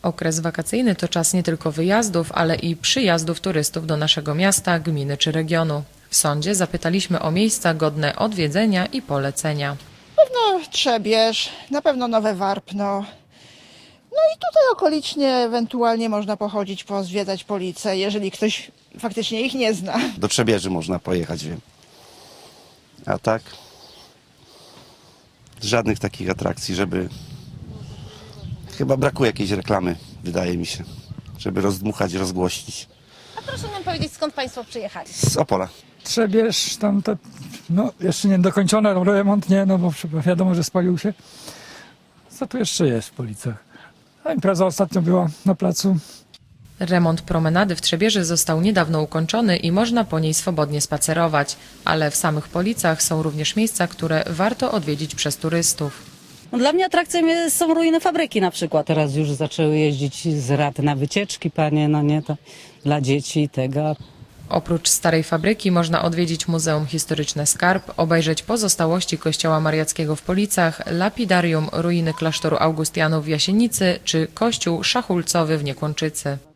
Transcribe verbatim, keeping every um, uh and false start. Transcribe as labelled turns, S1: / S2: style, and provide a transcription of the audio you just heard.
S1: Okres wakacyjny to czas nie tylko wyjazdów, ale i przyjazdów turystów do naszego miasta, gminy czy regionu. W sądzie zapytaliśmy o miejsca godne odwiedzenia i polecenia.
S2: No, Trzebież, na pewno Nowe Warpno. No i tutaj okolicznie ewentualnie można pochodzić, pozwiedzać Police, jeżeli ktoś faktycznie ich nie zna.
S3: Do Trzebieży można pojechać, wiem. A tak? Żadnych takich atrakcji, żeby... Chyba brakuje jakiejś reklamy, wydaje mi się, żeby rozdmuchać, rozgłośnić.
S4: A proszę nam powiedzieć, skąd Państwo przyjechali?
S3: Z Opola.
S5: Trzebież, tam te, no jeszcze nie dokończone, remont nie, no bo wiadomo, że spalił się. Co tu jeszcze jest w Policach? A impreza ostatnio była na placu.
S1: Remont promenady w Trzebieży został niedawno ukończony i można po niej swobodnie spacerować, ale w samych Policach są również miejsca, które warto odwiedzić przez turystów.
S6: No dla mnie atrakcją jest, są ruiny fabryki na przykład. Teraz już zaczęły jeździć z rad na wycieczki, panie, no nie, to dla dzieci i tego.
S1: Oprócz starej fabryki można odwiedzić Muzeum Historyczne Skarb, obejrzeć pozostałości kościoła mariackiego w Policach, lapidarium, ruiny klasztoru Augustianów w Jasienicy czy kościół szachulcowy w Niekłączycy.